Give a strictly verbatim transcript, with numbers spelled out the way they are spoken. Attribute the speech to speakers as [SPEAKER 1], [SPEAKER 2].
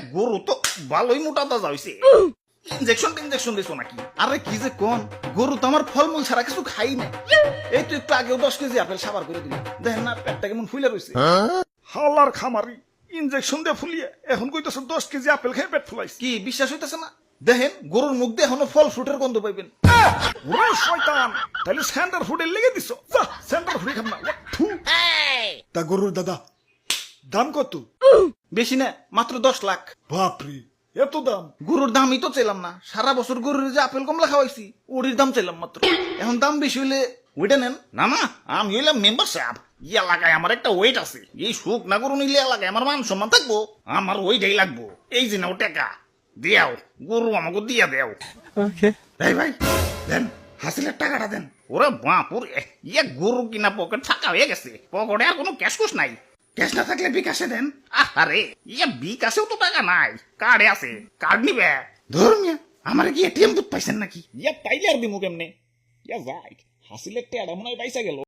[SPEAKER 1] গরু তো ভালোই মোটা তাজা হইছে। ইনজেকশন ইনজেকশন দিছো নাকি? আরে কি যে কোন, গরু তো আমার ফলমূল ছাড়া কিছু খাই না। এই তো একটু আগেও দশ কেজি আপেল সাবার করে দিল, দেখেন না পেটটা কেমন ফুলে রয়েছে।
[SPEAKER 2] হালার খামারি ইনজেকশন দিয়ে ফুলিয়ে এখন কইতেছে দশ কেজি আপেল খেয়ে পেট ফুলাইছে।
[SPEAKER 1] কি বিশ্বাস হইতেছে না? দেখেন গরুর মুখ দিয়ে এখনো ফল ফ্রুটের গন্ধ পাইবেন।
[SPEAKER 2] ওরে শয়তান, তাহলে স্যান্ডার ফুডের লেগে দিছ। যা স্যান্ডার ফুডে খাম না। থু। তা গরুর দাদা দাম কত?
[SPEAKER 1] বেশি না, মাত্র দশ লাখ।
[SPEAKER 2] বাপরে এত দাম!
[SPEAKER 1] গরুর দামই তো চাইলাম না, সারা বছর গরুর যে আপেল কমলা খাওয়াইছি ওটির দাম চাইলাম মাত্র। এখন দাম বেশি হইলে ওইটা নেন। না না, আমি হইলাম মেম্বার সাহেব, এই এলাকায় আমার একটা ওয়েট আছে। এই সুখ না গরু নিলে এলাকায় আমার মান সম্মান থাকবো, আমার ওইটাই লাগবো। এই যে নাও টাকা দিয়াও, গরু আমাকে দিয়া দেও। এই ভাই দেন, হাসিলের টাকাটা দেন। ওরে বাপুরে, ইয়ে গরু কিনা পকেট ফাঁকা হয়ে গেছে, পকেটে আর কোনো ক্যাশ কুশ নাই। ক্যাশ না থাকলে বিকাশে দেন। আরে ইয়া বিকাশেও তো টাকা নাই, কার্ডে আছে, কার্ড নিবে। ধরুন আমার কি এটিএম বুথ পাইছেন নাকি? ইয়া পাইলে আর দিমু কেমনে? ইয়া যাই, হাসিলের টেয়ারা মনে হয় পাইসা গেল।